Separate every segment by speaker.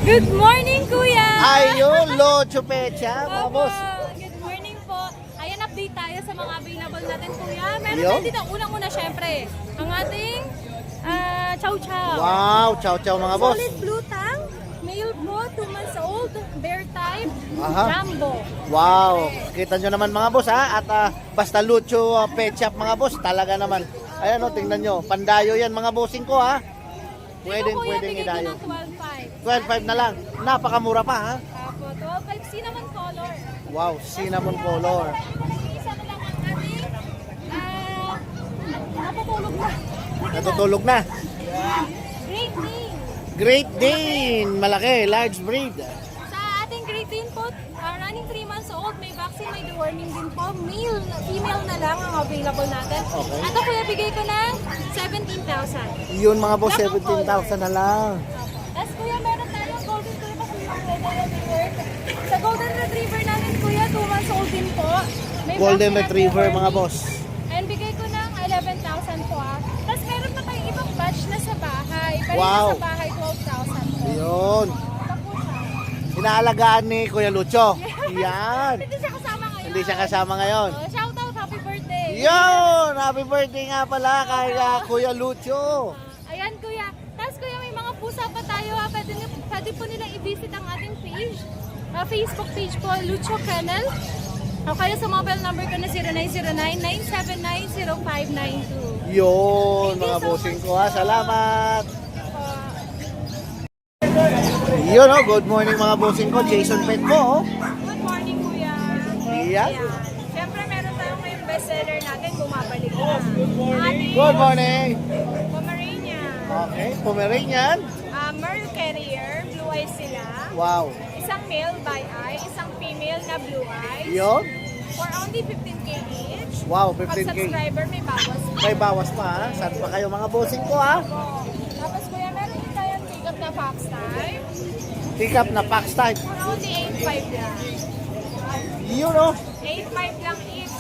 Speaker 1: Good morning, Kuya!
Speaker 2: Ayun, Locho Pecha, mga
Speaker 1: Opo,
Speaker 2: boss.
Speaker 1: good morning po. Ayan, update tayo sa mga available natin, Kuya. Meron
Speaker 2: Yo.
Speaker 1: tayo dito, unang-una, syempre, ang ating chow chow.
Speaker 2: Wow, chow mga boss.
Speaker 1: Solid blue tang, male po, 2 months old, bear type,
Speaker 2: Aha.
Speaker 1: jumbo.
Speaker 2: Wow, kita nyo naman mga boss ha. At basta Lucho Pecha mga boss, talaga naman. Ayan o, tingnan nyo. Pandayo yan mga bossing ko ha.
Speaker 1: Dito, Kuya,
Speaker 2: Pwedeng
Speaker 1: bigay ko
Speaker 2: idayo.
Speaker 1: ng 12.5.
Speaker 2: 12.5 na lang. Napakamura pa ha.
Speaker 1: Apo, 12.5 cinnamon color.
Speaker 2: Wow, cinnamon color.
Speaker 1: Isa na lang ang ating, napatulog na.
Speaker 2: Natutulog na.
Speaker 1: Great Dane.
Speaker 2: Great Dane, malaki, large breed.
Speaker 1: Sa ating Great Dane po, running 3 months old, may vaccine, may deworming din po. Male, female na lang ang available natin.
Speaker 2: Okay.
Speaker 1: At ako kuya, bigay ko ng 17,000.
Speaker 2: Yun mga boss, 17,000 na lang.
Speaker 1: Tapos kuya, meron tayong golden retriever kasi yung retriever. Sa golden retriever natin kuya, 2 months old din po. May
Speaker 2: Golden
Speaker 1: vaccine at
Speaker 2: retriever mga
Speaker 1: deworming.
Speaker 2: boss.
Speaker 1: And bigay ko ng 11,000 po ah. Tapos meron pa tayong ibang batch na sa bahay. Pero
Speaker 2: Wow.
Speaker 1: sa bahay, 12,000 po.
Speaker 2: Yun.
Speaker 1: Ito po siya.
Speaker 2: Inaalagaan ni Kuya Lucho. Yan.
Speaker 1: Hindi siya kasama ngayon.
Speaker 2: Hindi siya kasama ngayon.
Speaker 1: Shout out, happy birthday.
Speaker 2: Yun! Happy birthday nga pala kay Kuya Lucho.
Speaker 1: Ayan kuya. Tapos kuya, may mga pusa pa tayo ha. Pwede po nilang i-visit ang ating page. Facebook page po, Lucho Kennel. O kaya sa mobile number ko na 0909-979-0592.
Speaker 2: Yun, mga bossing ko ha. Salamat. Yun oh, good morning mga bossing ko. Jason Pet po oh.
Speaker 1: Good morning kuya.
Speaker 2: Yeah.
Speaker 1: Ayan. Siyempre meron tayong may bestseller natin, bumabalik na. Ating
Speaker 2: Good morning.
Speaker 1: Pomeranian.
Speaker 2: Okay, Pomeranian.
Speaker 1: Merle Carrier, blue eyes sila.
Speaker 2: Wow.
Speaker 1: Isang male by eye, isang female na blue eyes.
Speaker 2: Yun.
Speaker 1: For only 15K each.
Speaker 2: Wow,
Speaker 1: Pag
Speaker 2: 15K.
Speaker 1: subscriber may bawas.
Speaker 2: May bawas pa ha. Saan pa kayo mga bossing ko ha?
Speaker 1: Po. Tapos kuya, meron din tayong pick-up na fox type.
Speaker 2: Pick up na Pax type.
Speaker 1: For only 8.5 lang.
Speaker 2: Yun oh.
Speaker 1: 8.5 lang each.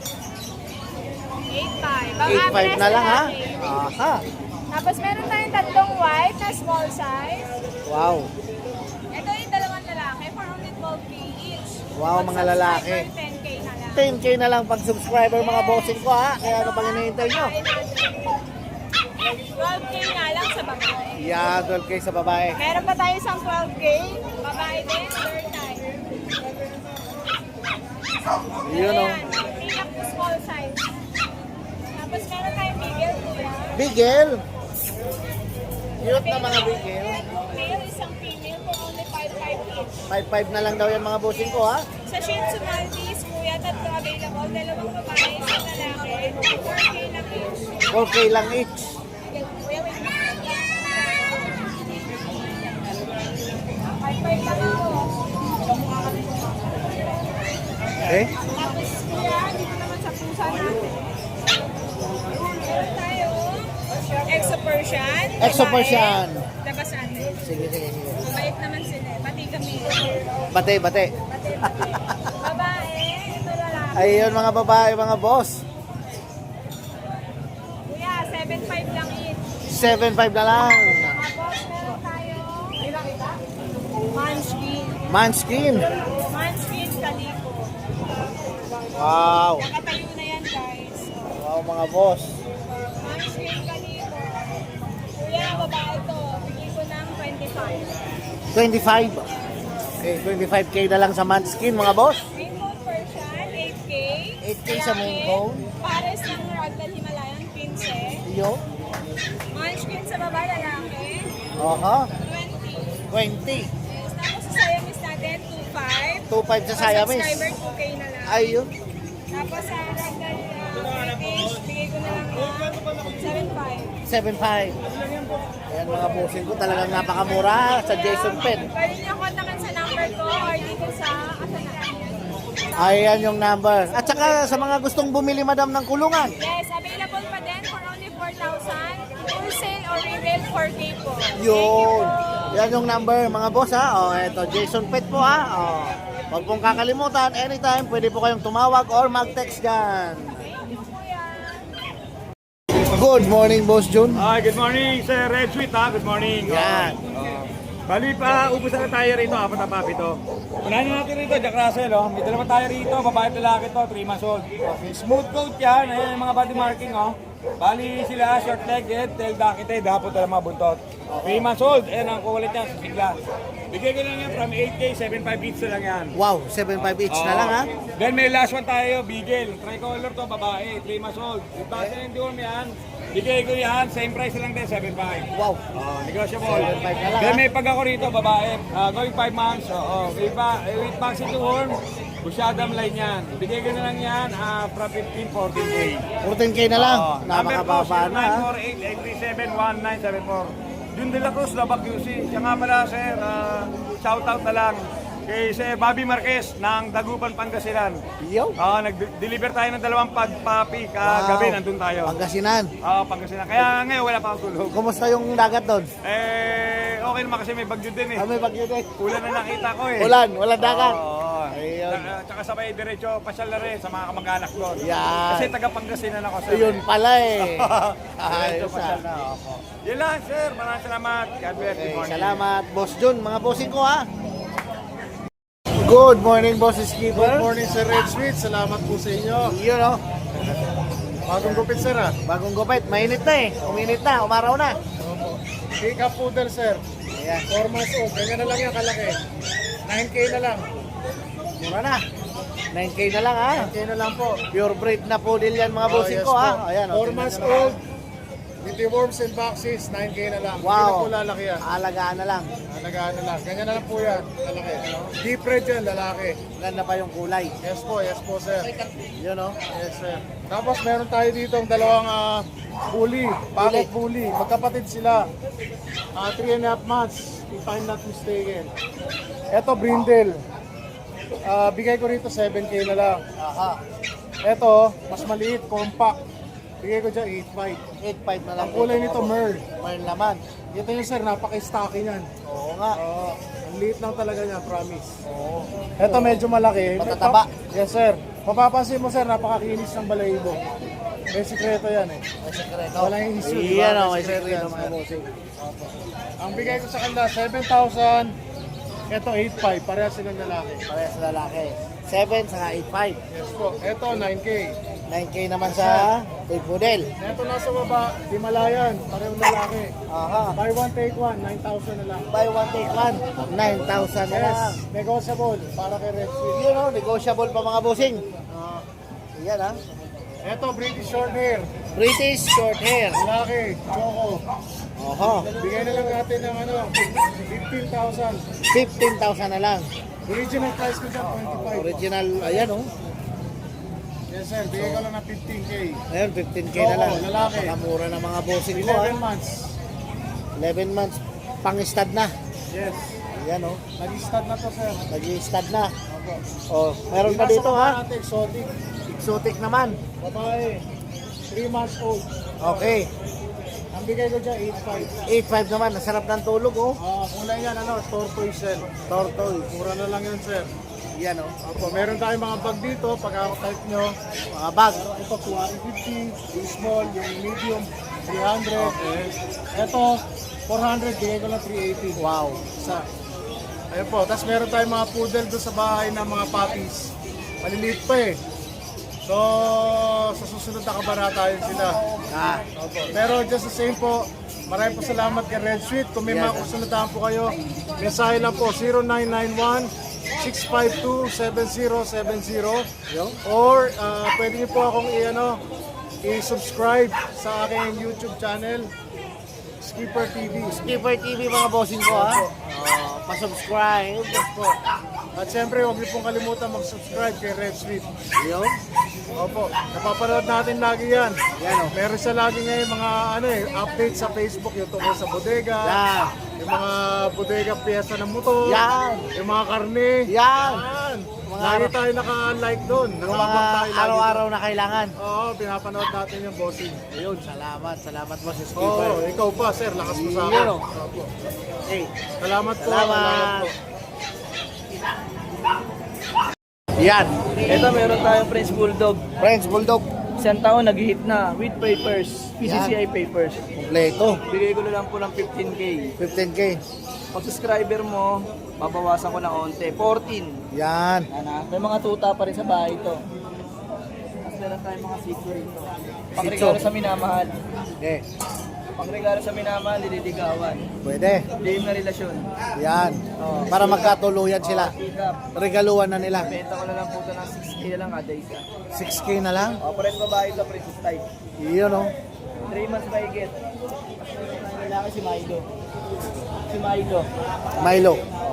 Speaker 1: 8.5.
Speaker 2: 8.5 na lang ha. Aha.
Speaker 1: Tapos meron tayong tatlong white na small size.
Speaker 2: Wow.
Speaker 1: Ito yung dalawang lalaki for only 12K each.
Speaker 2: Wow,
Speaker 1: Pag
Speaker 2: mga lalaki.
Speaker 1: subscriber, 10K na lang.
Speaker 2: 10K na lang pag subscriber mga bossing ko ha. Kaya ano pang hinihintay nyo?
Speaker 1: 12K na lang sa babae.
Speaker 2: Yeah, 12K sa babae.
Speaker 1: Meron pa tayo isang 12K. Babae din, third time.
Speaker 2: Yun oh.
Speaker 1: Ayan, pick-up to small size. Tapos meron tayong bigel, kuya.
Speaker 2: Bigel. Cute na mga bigel.
Speaker 1: Male, isang female for only 5.5 each.
Speaker 2: 5.5 na lang daw yan mga bossing ko ha.
Speaker 1: Sa Shih Tzu Maltese, kuya, tatlo available. Dalawang babae, isang lalaki. 4K lang each.
Speaker 2: 4K lang each.
Speaker 1: Kuya, wait lang. 5.5 lang ako.
Speaker 2: Okay?
Speaker 1: Tapos kuya, dito naman sa pusa natin. Meron tayo, Exo Persian.
Speaker 2: Exo
Speaker 1: babae.
Speaker 2: Persian.
Speaker 1: Tapos ano,
Speaker 2: Sige, sige, sige.
Speaker 1: mabait naman sila. Pati kami.
Speaker 2: Bate, bate.
Speaker 1: Babae, ito lalaki.
Speaker 2: Ayun mga babae, mga boss.
Speaker 1: Kuya, 7.5 lang each.
Speaker 2: 7.5 na lang.
Speaker 1: Tapos meron tayo, Munchkin.
Speaker 2: Manskin.
Speaker 1: Munchkin Calico.
Speaker 2: Wow.
Speaker 1: Nakatayo na yan, guys.
Speaker 2: Wow mga boss.
Speaker 1: Munchkin Calico. Kuya, babae to. Bigay ko ng 25.
Speaker 2: 25. Okay, 25K na lang sa Manskin mga boss.
Speaker 1: Main Coat Persian, 8K.
Speaker 2: 8K sa main coat.
Speaker 1: Pares ng Ragdoll Himalayan, 15.
Speaker 2: Yo.
Speaker 1: Munchkin sa babae, lalaki.
Speaker 2: Aha.
Speaker 1: 20.
Speaker 2: 20.
Speaker 1: Yes, tapos sa Siamese natin, 2.5.
Speaker 2: 2.5 sa Siamese.
Speaker 1: Subscriber, 2K na lang.
Speaker 2: Ayun.
Speaker 1: Tapos sa Ragdoll British, bigay ko na lang ng 7.5.
Speaker 2: 7.5. Ayan mga bossing ko, talagang napakamura sa Jason Pen.
Speaker 1: Pwede niyo kontakin sa number ko or dito sa Asanan.
Speaker 2: Ayan yung number. At saka sa mga gustong bumili madam ng kulungan.
Speaker 1: Yes, available pa din for only 4,000. Wholesale or retail 4K po.
Speaker 2: Yun. Yan yung number mga boss ha. O, eto Jason Pet po ha. O, huwag pong kakalimutan, anytime pwede po kayong tumawag or mag-text dyan.
Speaker 1: Thank you, kuya.
Speaker 2: Good morning, Boss Jun.
Speaker 3: Good morning, Sir Red Sweet, ha? Good morning.
Speaker 2: Yan.
Speaker 3: Bali pa, ubus na tayo rito, 4 na papi to. Unahin natin rito, Jack Russell, oh. May dalawa tayo rito, babae at lalaki to, 3 months old. Smooth coat yan, ayan yung mga body marking, oh. Bali sila, short legged, tail docketed, hapon talaga mga buntot. 3 months old, ayan ang kukulit yan, sigla. Bigay ko lang yan from 8K, 7.5 each na lang yan.
Speaker 2: Wow, 7.5 each na lang ha.
Speaker 3: Then may last one tayo, Beagle. Tricolor to, babae, 3 months old. Yung Basel and Dorm yan, bigay ko yan, same price lang din, 7.5.
Speaker 2: Wow.
Speaker 3: Negotiable.
Speaker 2: 7.5 na lang,
Speaker 3: Then
Speaker 2: ha?
Speaker 3: may pag ako rito, babae, going 5 months. With vaccine to horn, busyadam line yan. Bigay ko na lang yan, from 15, 14K.
Speaker 2: 14K na lang.
Speaker 3: Number ko,
Speaker 2: Napakababa na ha.
Speaker 3: 0948-837-1974. Jun de la Cruz, Labak QC. Siya nga pala, sir, shoutout na lang kay Sir Bobby Marquez ng Dagupan, Pangasinan.
Speaker 2: Yo.
Speaker 3: Nag-deliver tayo ng 2 pagpapi kagabi,
Speaker 2: Wow.
Speaker 3: nandun tayo.
Speaker 2: Pangasinan.
Speaker 3: Pangasinan. Kaya ngayon wala pa akong tulog.
Speaker 2: Kumusta yung dagat doon?
Speaker 3: Okay naman kasi may bagyo din eh.
Speaker 2: May bagyo din.
Speaker 3: Ulan na nakita ko eh.
Speaker 2: Ulan, walang dagat.
Speaker 3: Oo.
Speaker 2: Ayun.
Speaker 3: Tsaka sabay diretso pasyal na rin sa mga kamag-anak doon.
Speaker 2: Yan.
Speaker 3: Kasi taga Pangasinan ako sir.
Speaker 2: Ayun pala eh.
Speaker 3: Diretso
Speaker 2: Ayos
Speaker 3: pasyal na.
Speaker 2: ha.
Speaker 3: Opo. Yun lang sir. Maraming salamat. God bless.
Speaker 2: Okay,
Speaker 3: Good morning.
Speaker 2: salamat Boss Jun, mga bossing ko ha. Good morning Boss Skipper.
Speaker 4: Good morning, Sir Red Sweet. Salamat po sa inyo.
Speaker 2: Yun oh.
Speaker 4: Bagong gupit, sir, ha?
Speaker 2: Bagong gupit, mainit na eh. Uminit na, umaraw na.
Speaker 4: Pick up poodle, sir.
Speaker 2: Ayan,
Speaker 4: 4 months old. Ganyan na lang yan, kalaki. 9K na lang.
Speaker 2: mura na. 9K na lang ha.
Speaker 4: 9K na lang po.
Speaker 2: Pure breed na poodle yan mga bossing
Speaker 4: yes
Speaker 2: ko ha.
Speaker 4: po.
Speaker 2: Ayan,
Speaker 4: 4 months old. With worms and boxes, 9K na lang. Hindi na
Speaker 2: Wow.
Speaker 4: po lalaki yan.
Speaker 2: Alagaan na lang.
Speaker 4: Alagaan na lang. Ganyan na lang po yan, kalaki. Deep red yan, lalaki.
Speaker 2: Ganda pa yung kulay.
Speaker 4: Yes po, sir.
Speaker 2: Yun oh.
Speaker 4: Yes, sir. Tapos meron tayo dito ang dalawang bully, bakit bully. Magkapatid sila. 3.5 months, if I'm not mistaken. Ito, brindle. Bigay ko rito 7K na lang.
Speaker 2: Aha.
Speaker 4: Ito, mas maliit, compact. Bigay ko dyan 8.5.
Speaker 2: 8.5 na lang.
Speaker 4: Ang kulay nito, merl.
Speaker 2: Merl naman.
Speaker 4: Ito yung sir, napaka-stocky niyan.
Speaker 2: Oo nga.
Speaker 4: Ang liit lang talaga niya, promise.
Speaker 2: Oo.
Speaker 4: Ito medyo malaki.
Speaker 2: Matataba.
Speaker 4: Yes, sir. Mapapansin mo, sir, napakakinis ng balahibo. May sikreto yan eh.
Speaker 2: May sekreto.
Speaker 4: Wala yung issue, di ba?
Speaker 2: Iyan oh,
Speaker 4: May
Speaker 2: may
Speaker 4: sekreto
Speaker 2: sekreto
Speaker 4: yan,
Speaker 2: mga
Speaker 4: sir.
Speaker 2: bossing.
Speaker 4: Ang bigay ko sa kanila, 7,000. Ito, 8,500. Parehas silang lalaki.
Speaker 2: Parehas sa lalaki. 7 saka 8.5.
Speaker 4: Yes po. Ito, 9K.
Speaker 2: 9K naman sa Big Poodle.
Speaker 4: Ito nasa baba, Himalayan. Parehong lalaki.
Speaker 2: Aha.
Speaker 4: Buy one, take one. 9,000 na lang.
Speaker 2: Buy one take one. 9,000 na lang.
Speaker 4: Yes, negotiable. Para kay Red Sweet.
Speaker 2: Yun oh, negotiable pa mga bossing. Yan ha.
Speaker 4: Ito, British short hair.
Speaker 2: British short hair.
Speaker 4: Lalaki, Choco.
Speaker 2: Oho.
Speaker 4: Bigay na lang natin ng 15,000.
Speaker 2: 15,000 na lang.
Speaker 4: Original price ko dyan, 25.
Speaker 2: Original, ayan oh.
Speaker 4: Yes sir, bigay ko lang ng 15K.
Speaker 2: Ayun, 15K na lang.
Speaker 4: Oo, lalaki.
Speaker 2: Nakamura na mga bossing ko ha.
Speaker 4: 11 months.
Speaker 2: 11 months. Pang-stud na.
Speaker 4: Yes.
Speaker 2: Ayan oh.
Speaker 4: Nag-start na to sir.
Speaker 2: Nag-stud na.
Speaker 4: Opo.
Speaker 2: Oh, meron pa dito ha.
Speaker 4: Natin, exotic.
Speaker 2: Exotic naman.
Speaker 4: Babae. 3 months old.
Speaker 2: Okay.
Speaker 4: Ang bigay ko dyan, 8.5.
Speaker 2: 8.5 naman. Nasarap ng tulog oh.
Speaker 4: Kulay yan, tortoise shell.
Speaker 2: Tortoise.
Speaker 4: Mura na lang yan sir.
Speaker 2: Yan oh.
Speaker 4: Opo, meron tayong mga bag dito, pagka-type nyo.
Speaker 2: Mga bag.
Speaker 4: Ito, 250. Yung small, yung medium, 300. Ito, 400, bigay ko lang 380.
Speaker 2: Wow.
Speaker 4: Isa. Ayun po, tapos meron tayong mga poodle doon sa bahay na mga puppies. Maliliit pa eh. So, sa susunod na kabarata yun sila.
Speaker 2: Ah.
Speaker 4: Opo. Pero just the same po, maraming po salamat kay Red Sweet. Kung may mga kusunodaan po kayo, mensahe lang po 0991-652-7070 or pwede niyo po akong i-subscribe sa aking YouTube channel, Skipper TV.
Speaker 2: Skipper TV mga bossing ko ha. Pa-subscribe.
Speaker 4: At syempre, huwag niyo pong kalimutan mag-subscribe kay Red Sweet.
Speaker 2: Yun.
Speaker 4: Opo, napapanood natin lagi yan.
Speaker 2: Yan oh.
Speaker 4: Meron siya lagi ngayon mga update sa Facebook, yung tungkol sa bodega,
Speaker 2: Yan.
Speaker 4: yung mga bodega piyesa ng motor,
Speaker 2: Yan.
Speaker 4: yung mga karne.
Speaker 2: Yan.
Speaker 4: Lagi tayo naka-like doon.
Speaker 2: Yung
Speaker 4: Nakabang
Speaker 2: mga
Speaker 4: tayo lagi
Speaker 2: araw-araw
Speaker 4: doon.
Speaker 2: na kailangan.
Speaker 4: Oo, pinapanood natin yung bossing.
Speaker 2: Ayun, salamat. Salamat boss
Speaker 4: Oo,
Speaker 2: Skipper.
Speaker 4: ikaw pa sir, lakas mo sa akin.
Speaker 2: Yun, oh.
Speaker 4: Opo.
Speaker 2: Hey.
Speaker 4: Salamat po.
Speaker 2: Salamat.
Speaker 4: po.
Speaker 2: Yan.
Speaker 5: Ito meron tayong French Bulldog.
Speaker 2: French Bulldog.
Speaker 5: Isang taon nag-hit na with papers, PCCI papers.
Speaker 2: Kompleto.
Speaker 5: Bigay ko na lang po ng 15K.
Speaker 2: 15K.
Speaker 5: Pag subscriber mo, babawasan ko ng onte. 14.
Speaker 2: Yan.
Speaker 5: May mga tuta pa rin sa bahay ito. Tapos meron tayong mga sitio rito. Pangregalo sa minamahal.
Speaker 2: Okay.
Speaker 5: Pangregalo sa minamahal, nililigawan.
Speaker 2: Pwede.
Speaker 5: Game na relasyon.
Speaker 2: Yan. Para magkatuluyan sila.
Speaker 5: Pick up.
Speaker 2: Regaluhan na nila.
Speaker 5: Benta ko na lang po ito ng 6K na lang kada isa.
Speaker 2: 6K na lang.
Speaker 5: Pares babae ito, princess type.
Speaker 2: Yun oh.
Speaker 5: 3 months mahigit. Ang lalaki si Milo. Si Milo.
Speaker 2: Milo.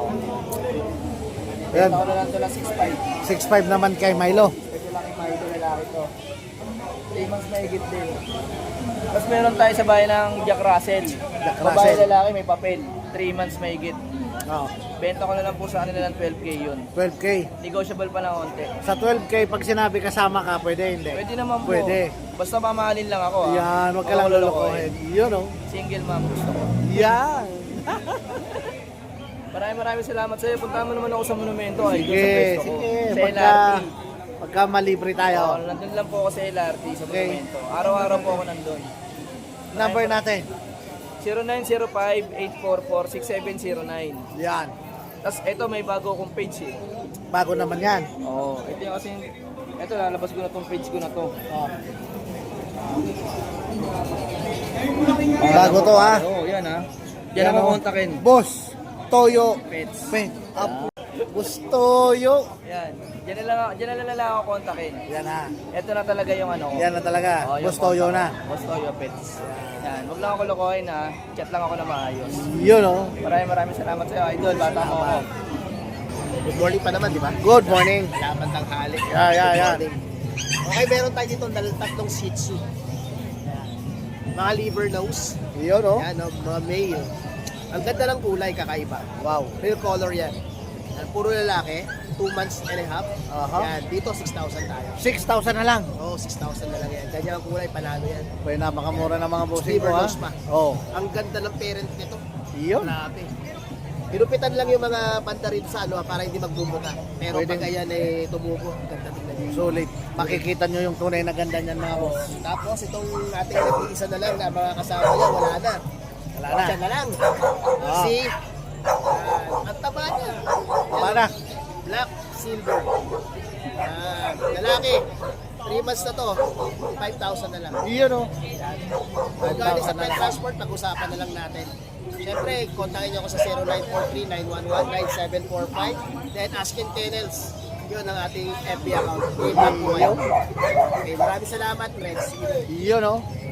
Speaker 2: Yan.
Speaker 5: Benta ko na lang ito ng 6.5.
Speaker 2: 6'5 naman kay Milo.
Speaker 5: Ito lang kay Milo, lalaki ito. 3 months mahigit din. Tapos meron tayo sa bahay ng Jack Russell.
Speaker 2: Jack
Speaker 5: Babae
Speaker 2: Russell.
Speaker 5: lalaki may papel. 3 months mahigit.
Speaker 2: Oh.
Speaker 5: Benta ko na lang po sa kanila ng 12K yun.
Speaker 2: 12K.
Speaker 5: Negotiable pa ng onte.
Speaker 2: Sa 12K, pag sinabi kasama ka, pwede hindi.
Speaker 5: Pwede naman po.
Speaker 2: Pwede.
Speaker 5: Basta mamahalin lang ako.
Speaker 2: Yan, wag ka lang lulukohin. Yun oh.
Speaker 5: Single mom gusto ko.
Speaker 2: Yan.
Speaker 5: Maraming salamat sa iyo. Punta mo naman ako sa monumento. Ay, doon sa
Speaker 2: Sige,
Speaker 5: pwesto ko.
Speaker 2: sige.
Speaker 5: Sa
Speaker 2: Pagka,
Speaker 5: LRT.
Speaker 2: pagka malibre
Speaker 5: Oo,
Speaker 2: tayo.
Speaker 5: nandun lang po ako sa LRT, sa
Speaker 2: Okay.
Speaker 5: monumento. Araw-araw po ako nandun.
Speaker 2: Number natin.
Speaker 5: 0905-844-6709.
Speaker 2: Yan.
Speaker 5: Tapos ito may bago akong page eh.
Speaker 2: Bago naman yan.
Speaker 5: Oo. Ito yung kasi, ito lalabas ko na tong page ko na to.
Speaker 2: Oh. Bago to ha.
Speaker 5: Oo, yan ha. Yan
Speaker 2: Yan,
Speaker 5: ako
Speaker 2: oh.
Speaker 5: kontakin.
Speaker 2: Boss, Toyo,
Speaker 5: Pets.
Speaker 2: Pet, up. Boss Toyo.
Speaker 5: Yan. Diyan na lang ako kontakin.
Speaker 2: Yan ha.
Speaker 5: Ito na talaga yung ano ko.
Speaker 2: Yan na talaga.
Speaker 5: Oo, yung
Speaker 2: Boss Toyo na.
Speaker 5: Boss Toyo Pets. Yan. Huwag lang ako lokohin ha. Chat lang ako na maayos.
Speaker 2: Yun oh.
Speaker 5: Maraming salamat sa iyo, idol. Bata mo ako.
Speaker 6: Good morning pa naman, di ba?
Speaker 2: Good morning.
Speaker 6: Laban tanghali.
Speaker 2: Yan.
Speaker 6: Okay, meron tayo dito tatlong Shih Tzu. Mga liver nose.
Speaker 2: Yun oh.
Speaker 6: Yan, no, mga male. Ang ganda ng kulay, kakaiba.
Speaker 2: Wow.
Speaker 6: Real color yan. Yan, puro lalaki. 2 months and a half.
Speaker 2: Aha.
Speaker 6: Yan, dito 6,000 tayo.
Speaker 2: 6,000 na lang.
Speaker 6: Oo, 6,000 na lang yan. Ganyan ang kulay, panalo yan.
Speaker 2: Pwede napakamura ng mga bossing
Speaker 6: Liver
Speaker 2: ko ha.
Speaker 6: nose pa.
Speaker 2: Oh.
Speaker 6: Ang ganda ng parent nito.
Speaker 2: Yun.
Speaker 6: Grabe. Pinupitan lang yung mga banda rito sa ano para hindi magbumuka. Pero
Speaker 2: Pwede.
Speaker 6: pag ayan eh tumubo, ang ganda tingnan niyo.
Speaker 2: Sulit. Makikita nyo yung tunay na ganda niyan mga boss.
Speaker 6: Tapos itong ating nag-iisa na lang na mga kasama niya, wala na.
Speaker 2: Wala na.
Speaker 6: Siya na lang.
Speaker 2: Ah.
Speaker 6: See? Ang taba niya.
Speaker 2: Para.
Speaker 6: Black, silver. Yan. Lalaki. 3 months na to. 5,000 na lang.
Speaker 2: Yun oh.
Speaker 6: Kung galing sa
Speaker 2: 5,000 na
Speaker 6: pet
Speaker 2: lang.
Speaker 6: transport, pag-usapan na lang natin. Siyempre, kontakin niyo ako sa 0943-911-9745. Then, Askin Kennels. Yun ang ating FB account. I-back ko kayo. Okay, maraming salamat, friends.
Speaker 2: Yun oh.